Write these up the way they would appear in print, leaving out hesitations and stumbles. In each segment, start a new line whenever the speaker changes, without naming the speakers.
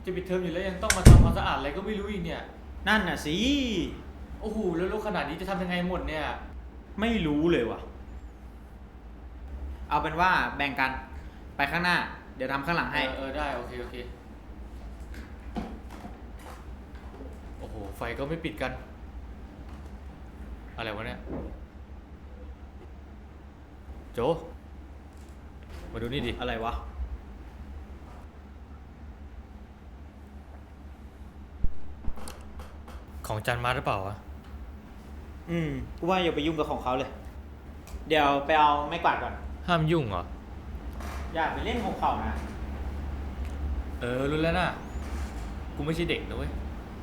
จะปิดเทอมอยู่แล้วยังต้องมาทำความสะอาดอะไรก็ไม่รู้อีกเนี่ย
นั่นน่ะสิ
โอ้โหแล้วรกขนาดนี้จะทำยังไงหมดเนี่ย
ไม่รู้เลยว่ะเอาเป็นว่าแบ่งกันไปข้างหน้าเดี๋ยวทำข้างหลังให้
ได้โอเคโอ้โหไฟก็ไม่ปิดกันอะไรวะเนี่ยโจมาดูนี่ดิ
อะไรวะ
ของจันมาหรือเปล่าวะ
กูว่าอย่าไปยุ่งกับของเขาเลยเดี๋ยวไปเอาไม้กวาดก่อน
ห้ามยุ่งเหรอ
อย่าไปเล่นของเขานะ
รู้แล้วนะกูไม่ใช่เด็กนะเว้ย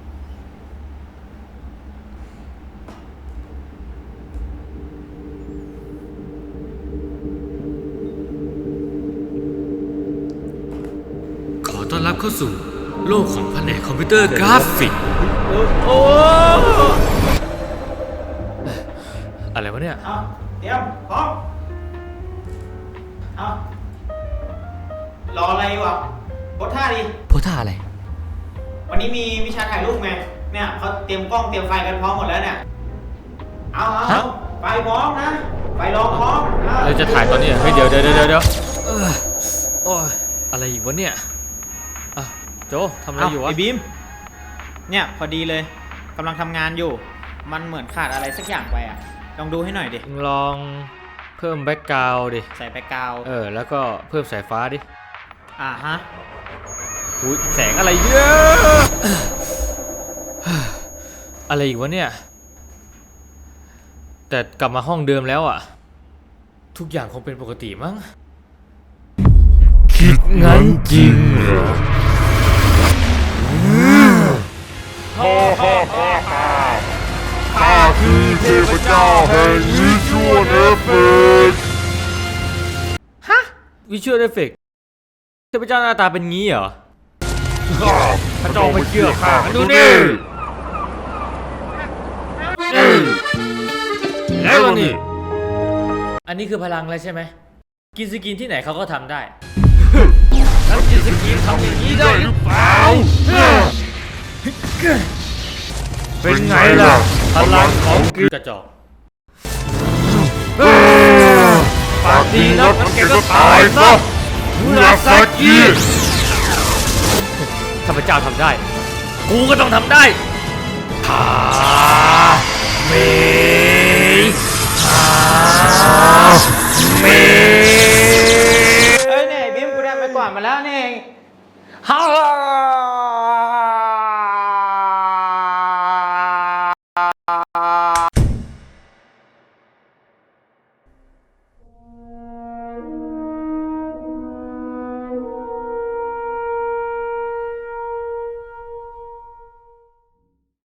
ขอต้อนรับเข้าสู่โลกของแผนกคอมพิวเตอร์กราฟิกอะไรวะเนี่ย
เอาเตรียมพร้อมเอารออะไรวะโพสท่าดิ
โพสท่าอะไร
วันนี้มีวิชาถ่ายรูปไงเนี่ยเขาเตรียมกล้องเตรียมไฟกันพร้อมหมดแล้วเนี่ยเอาไฟพร้อมนะไฟรอพร้อม
เราจะถ่ายตอนนี้เฮ้ยเดี๋ยวโอ้ยอะไรอีกวะเนี่ยโจทำอะไรอยู่วะ
ไอ้บีมเนี่ยพอดีเลยกำลังทำงานอยู่มันเหมือนขาดอะไรสักอย่างไปอ่ะลองดูให้หน่อยดิ
ลองเพิ่มแบ็กกราวด์ดิ
ใส่แบ็กกราวด์
แล้วก็เพิ่มสายฟ้าดิ
ฮะ
อุ๊ยแสงอะไรเยอะอะไรอีกวะเนี่ยแต่กลับมาห้องเดิมแล้วอ่ะทุกอย่างคงเป็นปกติมั้งคิดงั้นจริงเหรอ
ข้าคือเทพเจ้าแห่งวิชวลเอฟเฟกต์
วิชวลเอฟเฟกต์เทพเจ้าหน้าตาเป็นงี้เหรอพระเจ้าไม่เชื่อข้าดูนี่แล้วนี่อันนี้คือพลังแล้วใช่ไหมกินสกินที่ไหนเขาก็ทำได้แล้วกินสกินทำอย่างนี้ได้หรือเปล่าเป็นไงล่ะพลังของกระจอกปากดีนักงั้นแกก็ตายซะมุราซากิข้าพเจ้าทำได้กูก็ต้องทำได้ฮาเม
เนี่ยบิมกูได้ไปก่อนมาแล้วนี่เอง
ฮา